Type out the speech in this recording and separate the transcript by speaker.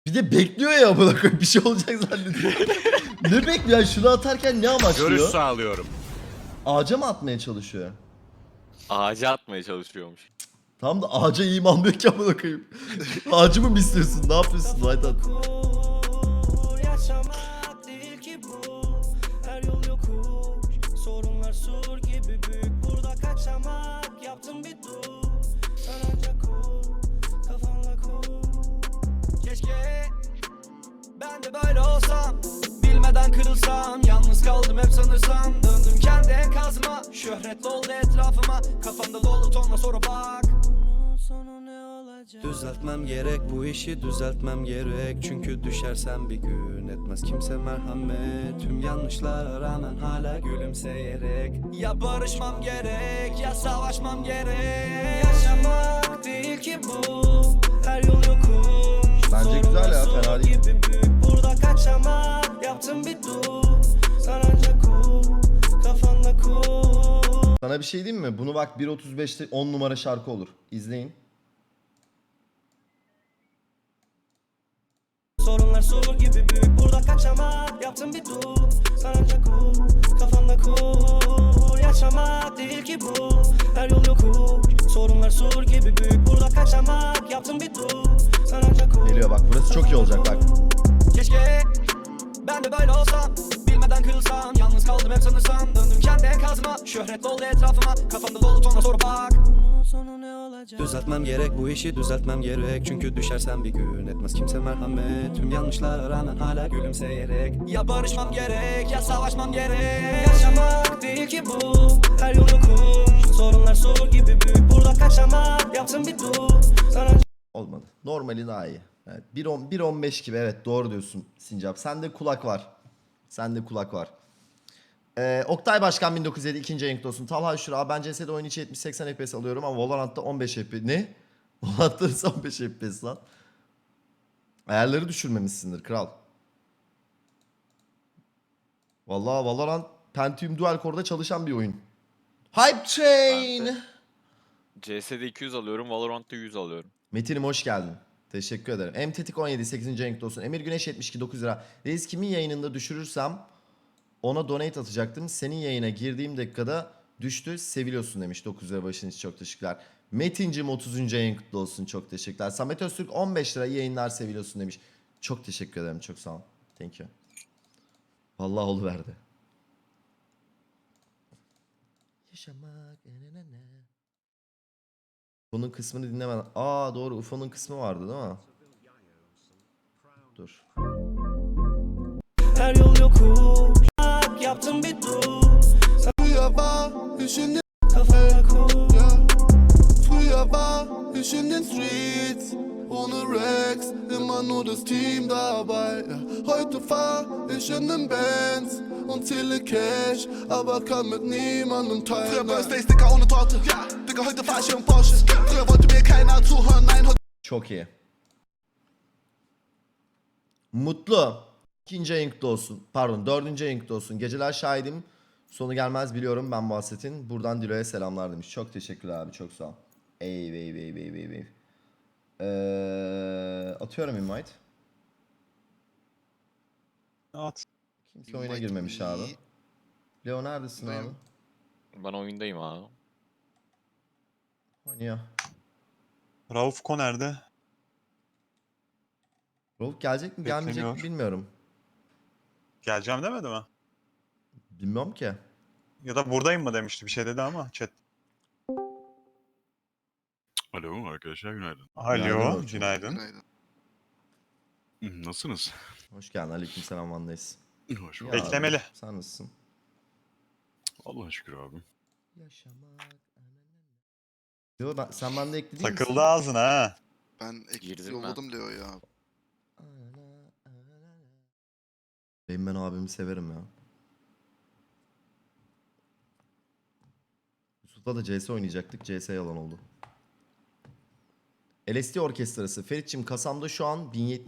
Speaker 1: Bir de bekliyor ya amına koyayım bir şey olacak zannediyor. Ne bekliyor? Yani şunu atarken ne amaçlıyor?
Speaker 2: Görüş sağlıyorum.
Speaker 1: Ağaca mı atmaya çalışıyor?
Speaker 3: Ağaca atmaya çalışıyormuş.
Speaker 1: Tam da ağaca imanlıyor ki amına koyayım. Ağacı mı istiyorsun? Ne yapıyorsun? White at.
Speaker 4: Yaşamak değil ki bu. Her yol yokuş. Sorunlar sur gibi büyük. Burada kaçamak. Yaptım bir dur. Sen ancak kur. Kafanla kur. Keşke ben de böyle olsam. Bilmeden kırılsam. Yalnız kaldım hep sanırsam. Döndüm kendi enkazıma. Şöhret oldu etrafıma. Kafamda dolu tonla soru bak. Sonu ne olacak? Düzeltmem gerek bu işi düzeltmem gerek. Çünkü düşersem bir gün etmez kimse merhamet. Tüm yanlışlara rağmen hala gülümseyerek. Ya barışmam gerek ya savaşmam gerek. Yaşamak değil ki bu. Her yol yokuş.
Speaker 1: Bence güzel ya,
Speaker 4: Sorunlar
Speaker 1: fena değil.
Speaker 4: gibi büyük. Burada kaçamak. Yaptım bir dur. Sen ancak kur. Kafanda kur.
Speaker 1: Sana bir şey diyeyim mi? Bunu bak 1.35'te 10 numara şarkı olur. İzleyin.
Speaker 4: Sorunlar sur gibi büyük. Burada kaçamak. Yaptım bir dur. Sen ancak kur. Kafanda kur. Yaşamak değil ki bu. Her yol yokuş. Sorunlar sur gibi büyük. Burada kaçamak. Yaptım bir dur. Sen ancak kur.
Speaker 1: Geliyor bak, burası çok iyi olacak bak.
Speaker 4: Keşke ben de böyle olsam. Bilmeden kırılsam. Yalnız kaldım hep sanırsam. Döndüm kendi enkazıma. Şöhret oldu etrafıma. Kafamda dolu tonla soru bak. Sonu ne olacak? Düzeltmem gerek bu işi düzeltmem gerek. Çünkü düşersem bir gün etmez kimse merhamet. Tüm yanlışlara rağmen hala gülümseyerek. Ya barışmam gerek ya savaşmam gerek. Yaşamak değil ki bu. Her yol yokuş. Sorunlar sur gibi büyük. Burada kaçamak. Yaptım bir dur. Sana
Speaker 1: Olmadı. Normali daha iyi. Evet, 1.15 gibi, evet doğru diyorsun Sincap. Sende kulak var. Sende kulak var. Oktay Başkan 1907 ikinci ayın kutlu olsun. Talha Şura, ben CS'de oyun içi 70-80 FPS alıyorum ama Valorant'ta 15 FPS. Ne? Valorant'ta nasıl 15 FPS lan? Ayarları düşürmemişsindir kral. Vallahi Valorant Pentium Dual Core'da çalışan bir oyun. Hype Train.
Speaker 3: Ben CS'de 200 alıyorum, Valorant'ta 100 alıyorum.
Speaker 1: Metin'im hoş geldin. Teşekkür ederim. Emtetik 17 8. ayın kutlu olsun. Emir Güneş 72 9 lira. Reis kimin yayınında düşürürsem ona donate atacaktım. Senin yayına girdiğim dakikada düştü. Seviliyorsun demiş 9 lira başın için, çok teşekkürler. Metin'cim 30. ayın kutlu olsun, çok teşekkürler. Samet Öztürk 15 lira, iyi yayınlar, seviliyorsun demiş. Çok teşekkür ederim, çok sağ ol. Thank you. Vallahi oluverdi. Yaşamak. Bunun kısmını dinlemeden. Aa doğru, UFO'nun kısmı vardı değil mi? Dur.
Speaker 4: her yol yokuş. Yaptım bir dur.
Speaker 5: Früher war ich in den,
Speaker 4: Kafana kur.
Speaker 5: ja. Früher war ich in den Streets, ohne Rex, immer nur das Team dabei. Ja. Heute fahr ich in den Bands und zähle Cash, aber kann mit niemandem teilen. Früher Birthdays, Dicker, ohne Torte. Ja, Digga, heute fahr ich im Porsche. Früher wollte mir keiner zuhören, nein, heute.
Speaker 1: Çok iyi. Mutlu. İkinci ayın kutlu olsun. Pardon, dördüncü ayın kutlu olsun. Geceler şahidim. Sonu gelmez biliyorum ben bu hasetin. Buradan Dilo'ya selamlar demiş. Çok teşekkürler abi, çok sağ ol. Ey. Atıyorum invite.
Speaker 6: At.
Speaker 1: Kimse oyuna girmemiş abi. Leo neredesin abi?
Speaker 3: Ben oyundayım abi.
Speaker 1: Oynuyor.
Speaker 6: Rauf Ko nerede?
Speaker 1: Rolf gelecek mi gelmeyecek mi
Speaker 6: Bekleniyor.
Speaker 1: bilmiyorum.
Speaker 6: Geleceğim demedi mi?
Speaker 1: Bilmiyorum ki.
Speaker 6: Ya da buradayım mı demişti, bir şey dedi ama chat.
Speaker 2: Alo arkadaşlar, günaydın.
Speaker 1: Günaydın
Speaker 6: Alo,
Speaker 1: Orçun.
Speaker 6: günaydın.
Speaker 2: Nasılsınız?
Speaker 1: Hoş geldin. Aleykümselam, Van'dayız.
Speaker 2: Hoş
Speaker 1: İyi
Speaker 2: bulduk.
Speaker 1: abi,
Speaker 6: Beklemeli.
Speaker 1: Sen nasılsın?
Speaker 2: Allah'a şükür abi.
Speaker 1: Yaşamak. Yo, sen bende ekli değil misin?
Speaker 6: Takıldı ağzına ha.
Speaker 7: Ben ekip
Speaker 3: Girdim
Speaker 7: yolladım Leo ya.
Speaker 1: Ben abimi severim ya. Yusuf'la da CS oynayacaktık. CS yalan oldu. LSD orkestrası. Feritçim kasamda şu an 1070